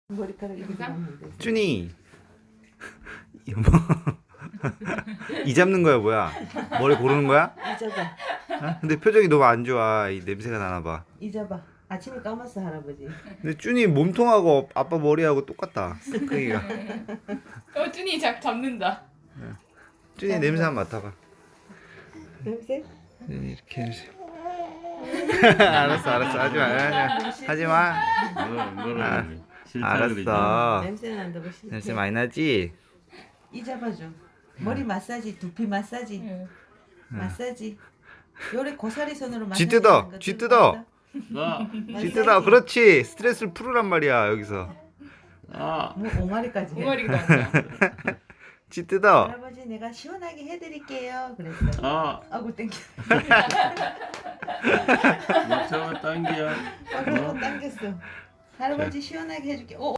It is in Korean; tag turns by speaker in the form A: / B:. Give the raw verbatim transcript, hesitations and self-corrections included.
A: 머리카락 이렇게
B: 영상?
A: 남는데.
C: 준이 이거 뭐? 이 잡는 거야 뭐야? 머리 고르는 거야?
A: 잊어봐,
C: 어? 근데 표정이 너무 안 좋아. 이 냄새가 나나 봐.
A: 잊어봐. 아침에 감았어 할아버지.
C: 근데 준이 몸통하고 아빠 머리하고 똑같다. 크기가.
B: 어, 준이 잡 잡는다.
C: 준이 냄새 한번 맡아봐.
A: 냄새?
C: 준이 이렇게 냄새. 알았어 알았어 하지마 하지마 하지마.
D: 뭐, 뭐라는 거야? 싫다
C: 알았어.
A: 냄새 난다고 싫대.
C: 냄새 많이 나지?
A: 잊어봐 줘. 머리 마사지, 두피 마사지,
B: 응.
A: 마사지. 요래 고사리 손으로 마사지.
C: 쥐 뜯어,
A: 하는 거
C: 쥐
A: 들고
C: 뜯어.
A: 왔어?
D: 나,
C: 쥐 뜯어. 그렇지. 스트레스를 풀으란 말이야 여기서.
D: 아,
A: 뭐 옹알이까지. 해.
B: 옹알이가 나온다.
C: 쥐 뜯어.
A: 할아버지 내가 시원하게 해드릴게요. 그랬어.
D: 아,
A: 아구 땡겨.
D: 목차만 당겨.
A: 아구 당겼어. 할아버지 시원하게 해줄게. 어.